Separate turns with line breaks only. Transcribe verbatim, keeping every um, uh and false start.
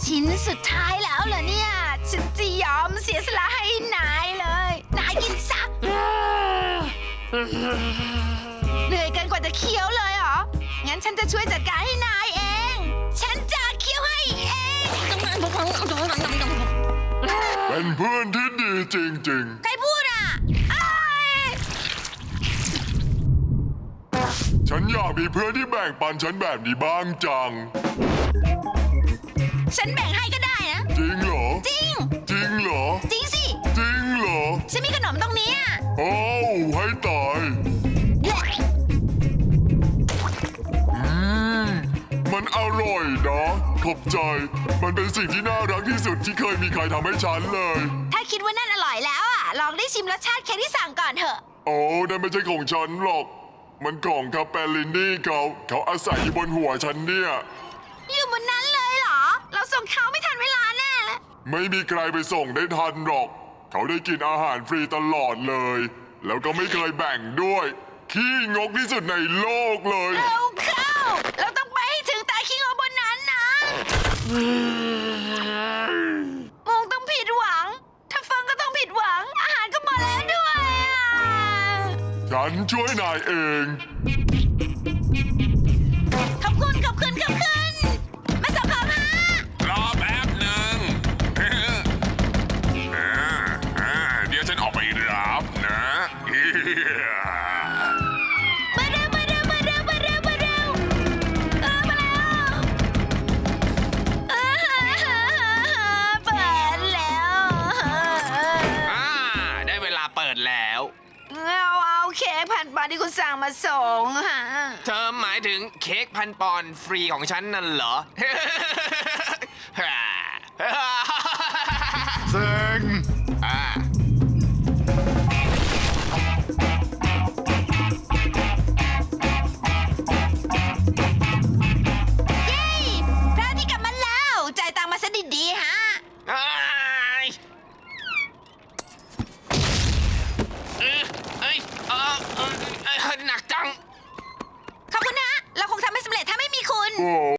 ชิ้นสุดท้ายแล้วเหรอเนี่ยฉันจะยอมเสียสละให้นายเลยนายกินซะเหนื่อยเกินกว่าจะเคี้ยวเลยเหรองั้นฉันจะช่วยจัดการให้นายเองฉันจะเคี้ยวให้เอง
เป็นเพื่อนที่ดีจริงๆ
ใครพูดอ่ะ
ฉันอยากมีเพื่อนที่แบ่งปันฉันแบบนี้บ้างจัง
ฉันแบ่งให้ก็ได้นะ
จริงเหรอ
จริง
จริงเหรอ
จริงสิ
จริงเหรอ
ฉันมีขนมตรงนี้อ่ะ
โอ้ให้ตายอืมมันอร่อยนะขอบใจมันเป็นสิ่งที่น่ารักที่สุดที่เคยมีใครทำให้ฉันเลย
ถ้าคิดว่านั่นอร่อยแล้วอ่ะลองได้ชิมรสชาติเค้กที่สั่งก่อนเถอะ
โอ้นั่นไม่ใช่ของฉันหรอกมันของคาเปลินนี่เขาเขาอาศัยอยู่บนหัวฉันเนี่ย
อยู่บนนั้นเลยเหรอเราส่งเขาไม่ทันเวลาแน่เลย
ไม่มีใครไปส่งได้ทันหรอกเขาได้กินอาหารฟรีตลอดเลยแล้วก็ไม่เคยแบ่งด้วยขี้งกที่สุดในโลกเลย
เร็วเข้าเราต้องไปให้ถึงตาขี้งกบนนั้นนะมงต้องผิดหวังถ้าฟังก็ต้องผิดหวังอาหารก็หมดแล้วด้วย
ฉันช่วยนายเอง
ขอบคุณขอบคุณขอบคุณมาส่งของฮะ
รอแป๊บหนึ่งเดี๋ยวฉันออกไปรับนะ
มาเร็วมาเร็วมาเร็วมาเร็วมาเร็วเออมาแล้วเออเปิดแล้ว
อ่าได้เวลาเปิดแล้ว
เอาเอาเค้กพันปอนด์ที่คุณสั่งมาส่งฮะ
เธอหมายถึงเค้กพันปอนด์ฟรีของฉันนั่นเหรอ
เซ็ง
อ่า
เย้พระอาทิตย์กลับมาแล้วจ่ายตังค์มาซะดีๆฮะ
เอ้ยเอ้ยเอ้ยเอ้ยหนักจัง
ขอบคุณนะเราคงทำไม่สำเร็จถ้าไม่มีคุณ